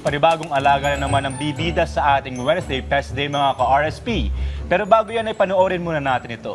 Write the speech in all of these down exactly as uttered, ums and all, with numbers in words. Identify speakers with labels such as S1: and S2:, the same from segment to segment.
S1: panibagong alaga na naman ang bibida sa ating Wednesday Pest Day mga ka-R S P. Pero bago yan ay panoorin muna natin ito.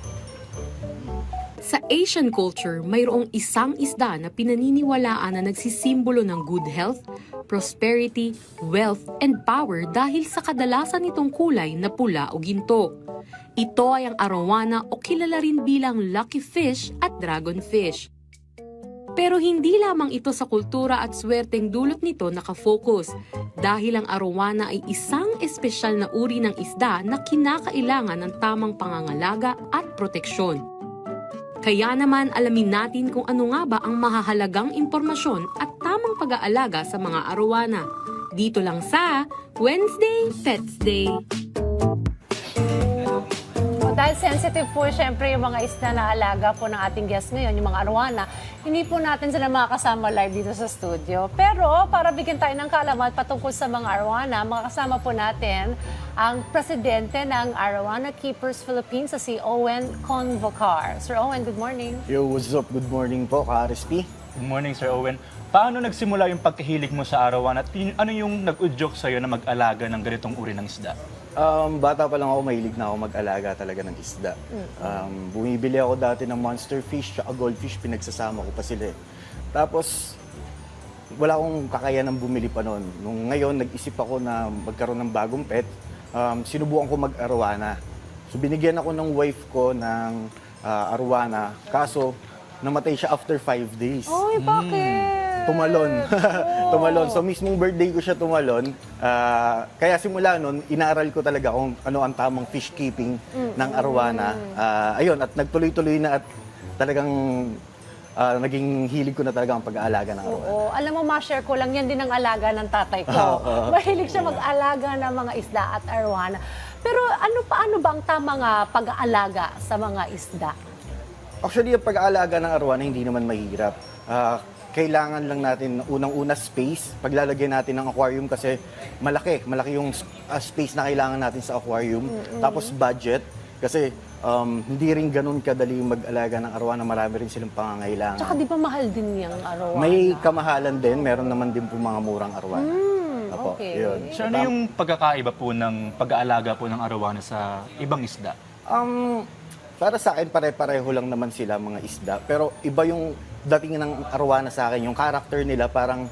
S2: Sa Asian culture, mayroong isang isda na pinaniniwalaan na nagsisimbolo ng good health, prosperity, wealth, and power dahil sa kadalasan nitong kulay na pula o ginto. Ito ay ang arowana o kilala rin bilang lucky fish at dragon fish. Pero hindi lamang ito sa kultura at swerteng dulot nito nakafocus dahil ang arowana ay isang espesyal na uri ng isda na kinakailangan ng tamang pangangalaga at proteksyon. Kaya naman alamin natin kung ano nga ba ang mahahalagang impormasyon at tamang pag-aalaga sa mga arowana. Dito lang sa Wednesday Pets Day.
S3: Dahil sensitive po siyempre yung mga isda na alaga po ng ating guest ngayon, yung mga arowana, hindi po natin sila makakasama live dito sa studio. Pero para bigyan tayo ng kaalaman patungkol sa mga arowana, makakasama po natin ang presidente ng Arowana Keepers Philippines, sa si Owen Convocar. Sir Owen, good morning.
S4: Yo, what's up? Good morning po, ka-R S P.
S1: Good morning, Sir Owen. Paano nagsimula yung pagkahilig mo sa arowana at yun- ano yung nag-udyok sa'yo na mag-alaga ng ganitong uri ng isda?
S4: Um, bata pa lang ako, mahilig na ako mag-alaga talaga ng isda. Um, bumibili ako dati ng monster fish at goldfish, pinagsasama ko pa sila. eh. Tapos, wala akong kakayanang bumili pa noon. Nung ngayon, nag-isip ako na magkaroon ng bagong pet, um, sinubukan ko mag-arowana. So, binigyan ako ng wife ko ng ah, arowana, kaso namatay siya after five days.
S3: Oy, bakit?
S4: Tumalon. Tumalon. So mismong birthday ko siya tumalon. Ah, kaya simula nun, inaaral ko talaga kung ano ang tamang fish keeping ng arowana. Ah, ayun, at nagtuloy-tuloy na at talagang ah, naging hilig ko na talaga ang pag-aalaga ng arowana.
S3: Oo, alam mo, ma-share ko lang, yan din ang alaga ng tatay ko. Mahilig siya mag-alaga ng mga isda at arowana. Pero ano paano ba ang tamang ah, pag-aalaga sa mga isda?
S4: Actually, yung pag-aalaga ng arowana hindi naman mahirap. Ah, kailangan lang natin unang-una space. Paglalagyan natin ng aquarium kasi malaki. Malaki yung uh, space na kailangan natin sa aquarium. Mm-hmm. Tapos budget. Kasi um, hindi rin ganun kadali mag-alaga ng arowana. Marami rin silang pangangailangan.
S3: Tsaka di ba mahal din yung arowana?
S4: May kamahalan din. Meron naman din po mga murang arowana.
S3: Mm,
S4: Apo,
S3: okay.
S4: yun.
S1: So ano yung pagkakaiba po ng pag-aalaga po ng arowana sa ibang isda?
S4: Um, para sa akin, pare-pareho lang naman sila mga isda. Pero iba yung dating ng arowana sa akin. Yung character nila parang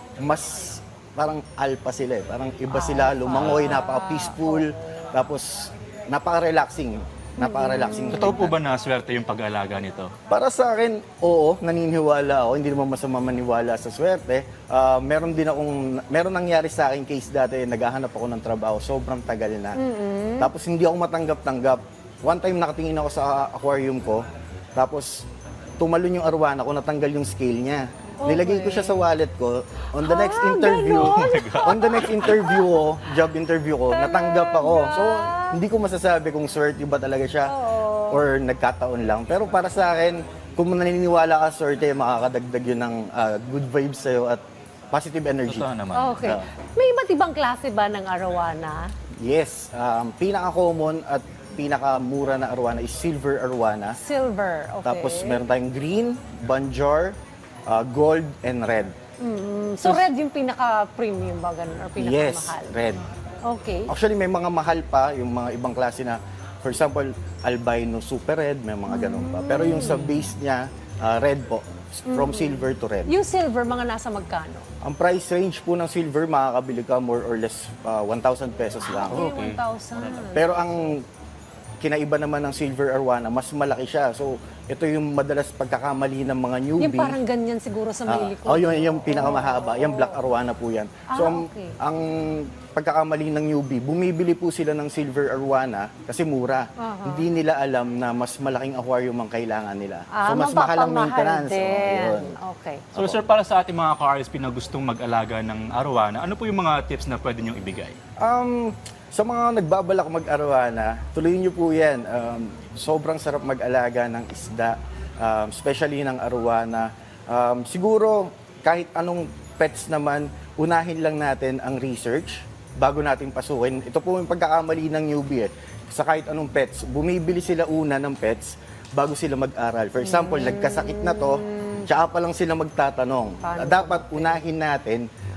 S4: mas, parang alpha sila eh. Parang iba sila, lumangoy, napaka-peaceful. Tapos, napaka-relaxing. Napaka-relaxing.
S1: Totoo po ba na swerte yung pag-aalaga nito?
S4: Para sa akin, oo, naniniwala ako. Hindi naman masama maniwala sa swerte. Ah, meron din akong, meron nangyari sa akin case dati, naghahanap ako ng trabaho, sobrang tagal na. Tapos hindi ako matanggap-tanggap. One time nakatingin ako sa aquarium ko, tapos tumalon yung arowana ko, natanggal yung scale niya.
S3: Okay.
S4: Nilagay ko siya sa wallet ko. On the next
S3: Ah,
S4: interview,
S3: ganon?
S4: on the next interview ko, job interview ko, natanggap ako. So, hindi ko masasabi kung swerte ba talaga siya or nagkataon lang. Pero para sa akin, kung naniniwala ka swerte, makakadagdag yun ng ah, good vibes sa'yo at positive energy.
S1: Totoo naman.
S3: Okay.
S4: Ah.
S3: May iba't ibang klase ba ng arowana?
S4: Yes, um, pinaka-common at pinaka-mura na arowana is silver arowana.
S3: Silver, okay.
S4: Tapos meron tayong green, banjar, uh, gold, and red.
S3: Mm, so red yung pinaka-premium ba ganun or
S4: Yes,
S3: pinaka-mahal?
S4: red.
S3: Okay.
S4: Actually, may mga mahal pa, yung mga ibang klase na, for example, albino super red, may mga ganun pa. Pero yung sa base niya, uh, red po, from silver to red.
S3: Yung silver, mga nasa magkano?
S4: Ang price range po ng silver, makakabili ka more or less uh, one thousand pesos lang.
S3: Okay, one thousand.
S4: Pero ang kinaiba naman ng silver arowana, mas malaki siya. So, ito yung madalas pagkakamali ng mga newbie.
S3: Yung parang ganyan siguro sa
S4: Ah,
S3: may likod.
S4: oh, yun yung pinakamahaba. Yung black arowana po yan. So,
S3: Ah,
S4: ang,
S3: okay.
S4: ang pagkakamali ng newbie, bumibili po sila ng silver arowana kasi mura. Hindi nila alam na mas malaking aquarium ang kailangan nila.
S3: Ah,
S4: so, mas mahal ang
S3: mapapamahal
S4: maintenance. Oh,
S3: din.
S4: yun.
S3: Okay.
S1: So sir, para sa ating mga ka-R S P na gustong mag-alaga ng arowana, ano po yung mga tips na pwede niyong ibigay?
S4: Um, sa mga nagbabalak mag-arowana, tuloy niyo po yan. Um, sobrang sarap mag-alaga ng isda, um, especially ng arowana. Um, siguro, kahit anong pets naman, unahin lang natin ang research bago natin pasukin. Ito po yung pagkakamali ng newbie eh. Sa kahit anong pets, bumibili sila una ng pets bago sila mag-aral. For example, nagkasakit na to, tsaka pa lang sila magtatanong.
S3: Paano
S4: Dapat unahin natin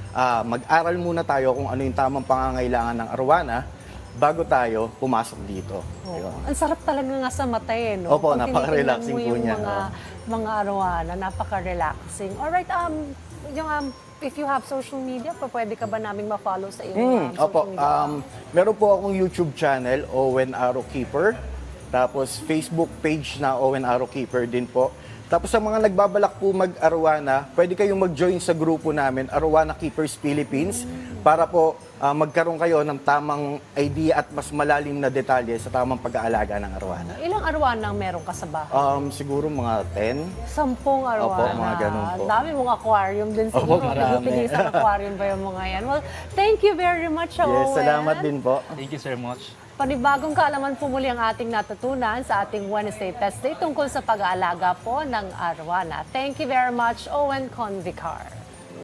S4: ah, mag-aral muna tayo kung ano yung tamang pangangailangan ng arwana bago tayo pumasok dito. Ayun.
S3: Ang sarap talaga nga sa mata eh, no?
S4: Opo,
S3: Pag
S4: napaka-relaxing
S3: tinitingnan mo
S4: po
S3: yung
S4: niya,
S3: Mga, mga arwana, napaka-relaxing. Alright, um, yung, um, if you have social media, pa pwede ka ba naming ma-follow sa iyong
S4: Hmm,
S3: um, social
S4: opo,
S3: media?
S4: um, meron po akong YouTube channel, Owen Arrow Keeper. Tapos Facebook page na Owen Arrow Keeper din po. Tapos sa mga nagbabalak po mag-Arowana, pwede kayong mag-join sa grupo namin, Arowana Keepers Philippines, para po ah, magkaroon kayo ng tamang idea at mas malalim na detalye sa tamang pag-aalaga ng Arowana.
S3: Ilang arwana ang meron ka sa bahay?
S4: Um, siguro mga ten.
S3: Sampung arwana.
S4: Opo, mga ganun po.
S3: Ang dami mong aquarium din
S4: Opo,
S3: siguro.
S4: marami.
S3: Pinis ang aquarium ba yung mga yan? Well, thank you very much,
S4: Yes,
S3: Owen.
S4: salamat din po.
S1: Thank you so much.
S3: Panibagong kaalaman po muli ang ating natutunan sa ating Wednesday Test Day tungkol sa pag-aalaga po ng arwana. Thank you very much, Owen Convicar.